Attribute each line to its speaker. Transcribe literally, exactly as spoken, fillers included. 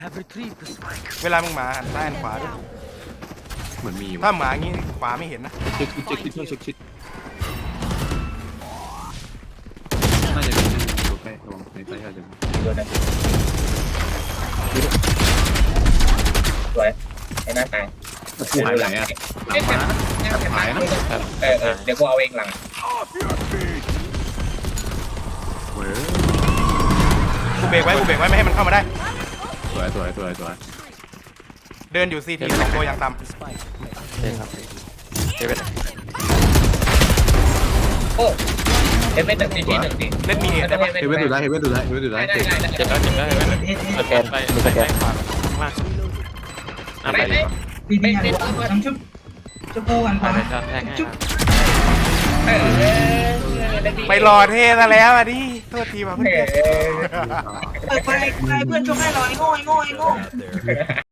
Speaker 1: เวลามึงหมาหันซ้ายหันขวาด้วย
Speaker 2: เหมือนมี
Speaker 1: ถ้าหมาอย่างงี้ขวาไม่เห็นนะ
Speaker 2: เช็คชิดเช็คชิดเช็คชิดน่าจะมีตัวใกล้ระวังในใต้อาจจะ
Speaker 3: ตัวนั้นสวยไอ้หน้าตาย
Speaker 2: หายไปไหนอ่ะหลังมาหายนะ
Speaker 3: เออเออเดี๋ยวกูเอาเองหลัง
Speaker 2: เว้ย
Speaker 1: กูเบรกไว้กูเบรกไว้ไม่ให้มันเข้ามาได้
Speaker 2: สวยสวยสวยสวย
Speaker 1: เดินอยู่ซีทีสองตัวอย่างต่
Speaker 4: ใช่ครับเอเวน
Speaker 3: โอ้เอฟเอสหนึ่งทีหนึ่งที
Speaker 1: ำเล่นมีเอ็ดได้ปะ
Speaker 2: เฮเว่นดูได้เฮเว่นดูได้เฮเว่นดูได้
Speaker 3: ได้ได้ได้
Speaker 4: เจ็บแล้วเจ็บแล้วเอเวนสแกนไปสแกนขวาข้างล่างอ่ะไป
Speaker 3: ไม่
Speaker 4: ดิ
Speaker 3: ไม่ไม่ไม่
Speaker 5: ทำชุบชุบโกวัน
Speaker 4: ไป
Speaker 5: ก่อน
Speaker 4: ไปจอดแทงให้ครับ
Speaker 3: เออ
Speaker 1: ไปรอเทซะแล้วอ่ะดิโทษทีว่ะเพื่อน
Speaker 3: เออ
Speaker 5: เปิดไฟไฟเพื่อนชุบให้หน่อยโง่ไอ้โง่ไอ้โง่